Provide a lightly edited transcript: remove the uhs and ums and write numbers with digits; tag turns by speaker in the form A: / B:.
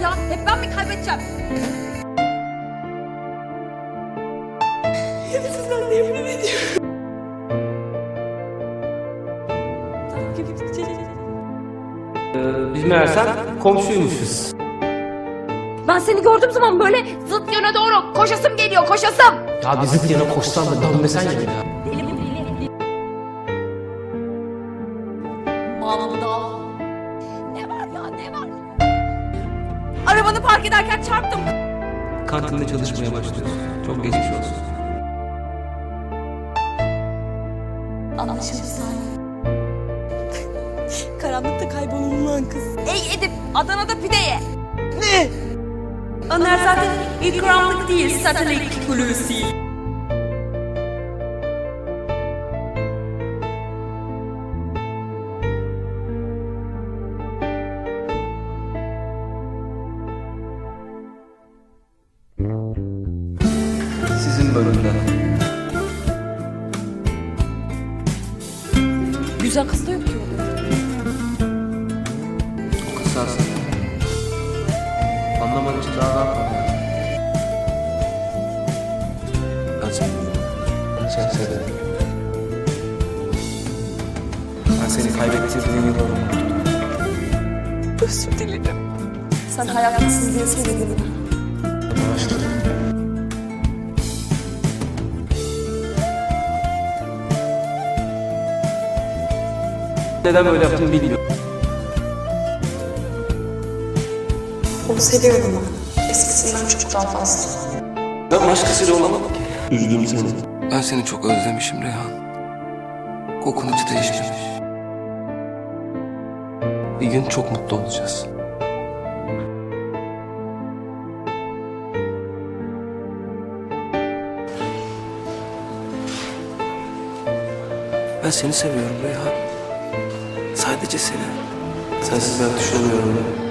A: ya? Hep ben mi kaybedeceğim? Sizden de yemin ediyorum.
B: Biz meğersem komşuymuşuz.
A: Ben seni gördüğüm zaman böyle zıt yöne doğru koşasım geliyor, koşasım.
B: Ya bir zıt yana koşsan da dönmesen ya bir daha.
A: Bağlamı da al. Ne var ya, ne var? Arabanı park ederken çarptım.
B: Kantinde çalışmaya başlıyorsun. Çok geçmiş olsun.
A: Anlaşıldı Salim. Karanlıkta kaybolunan kız. Ey Edip, Adana'da pide ye. Ne? Onlar zaten ilk karanlık değil, satelit Hulusi.
B: Sizin bölümden.
A: Güzel kız da yok ki orada.
B: O kız sensin. Anlaman için daha ne yapalım? Ben seni sen severim. Ben seni kaybettirdiğim yılları unuttum.
A: Özür dilerim. Sen hayatlısın diye söyledim.
B: Başladım. Neden böyle yaptığımı bilmiyorum.
C: Onu seviyorum ben. Eskisinden çok daha fazla.
B: Ben başkasıyla olamadım ki. Üzdüm seni. Ben seni çok özlemişim Reyhan. Kokun hiç değişmemiş. Bir gün çok mutlu olacağız. Ben seni seviyorum Reyhan. Sadece seni. Sensiz ben düşünemiyorum.